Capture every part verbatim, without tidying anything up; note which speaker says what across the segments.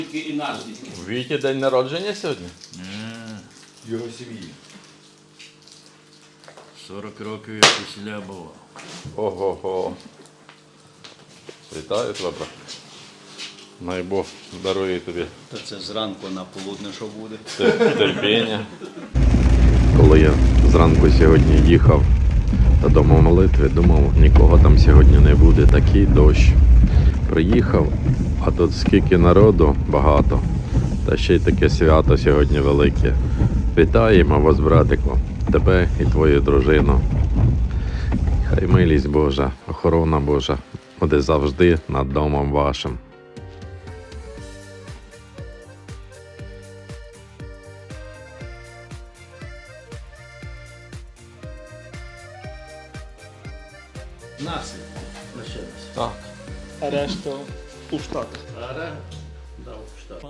Speaker 1: І наш дітки.
Speaker 2: У Віті день народження сьогодні?
Speaker 3: Його сім'ї.
Speaker 4: сорок років як весіля було.
Speaker 2: Ого-го. Вітаю тебе, брат. Най Бог дарує тобі
Speaker 4: Та це зранку на полудне що буде.
Speaker 2: терпіння. Коли я зранку сьогодні їхав додому молитви, думав, нікого там сьогодні не буде, такий дощ. Приїхав, а тут скільки народу, багато. Та ще й таке свято сьогодні велике. Вітаємо вас, братику, тебе і твою дружину. Хай милість Божа, охорона Божа буде завжди над домом вашим.
Speaker 4: Нація лишилася.
Speaker 2: Так.
Speaker 5: А решта у Штатах.
Speaker 4: Ара дав штат.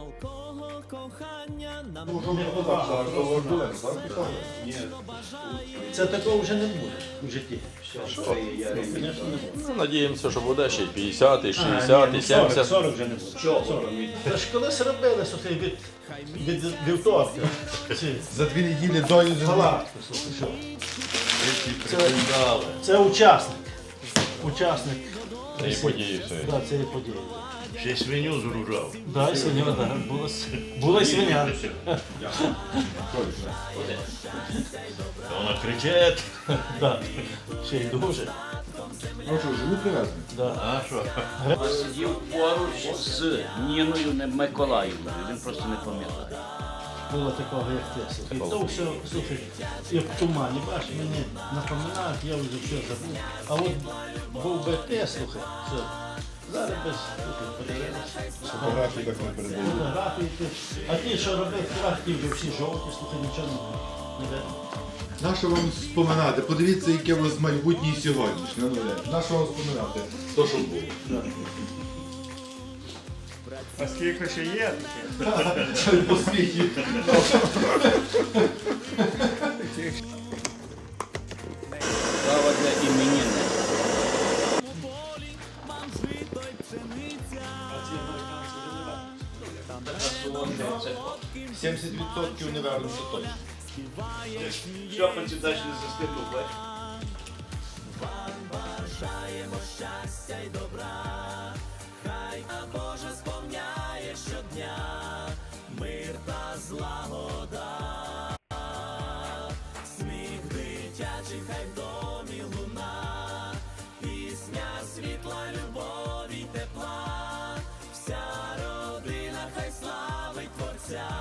Speaker 4: Це такого вже не буде в житті. Звісно, не буде.
Speaker 2: Ну, надіємося, що буде ще й п'ятдесят, і шістдесят, і сімдесят.
Speaker 4: сорок вже не буде. Чого? Та ж колись робили, слухай, від, від вівторка. Ці
Speaker 3: За дві неділі до їжі.
Speaker 4: галактики, слухай, що? Це, це учасник. Учасник
Speaker 2: І події все.
Speaker 4: да, цієї події.
Speaker 6: Ще й свиню зружав.
Speaker 4: Да, і свиня, да. Була, с- була й свиня.
Speaker 6: Вона кричить.
Speaker 4: Да. Ще й дуже.
Speaker 3: Ну що, живуть привезли?
Speaker 4: Да.
Speaker 6: А що?
Speaker 1: Сидів поруч з Ніною не- Миколаївною, він просто не пам'ятає.
Speaker 4: Було такого, як те. Слухай. То все, слухай, як в тумані, бачиш, мені напоминають, я вже все забув. А от був би те, слухай, все. Зараз без, слухай, подивилися.
Speaker 3: Фотографії так не передають.
Speaker 4: Фотографії, ти. А ті, що робив ті вже всі жовті, слухай, нічого не, не видно.
Speaker 3: Нащо вам споминати? Подивіться, яке у вас майбутнє і сьогоднішнє. Ну, Олег, нащо вам споминати? То, що було.
Speaker 5: А скільки ще є?
Speaker 3: По світі.
Speaker 1: Слава для іменинника.
Speaker 3: сімдесят відсотків не вернуться точно.
Speaker 6: Що почитаєш не застигнув, бач?
Speaker 7: Вся родина хай славить Творця.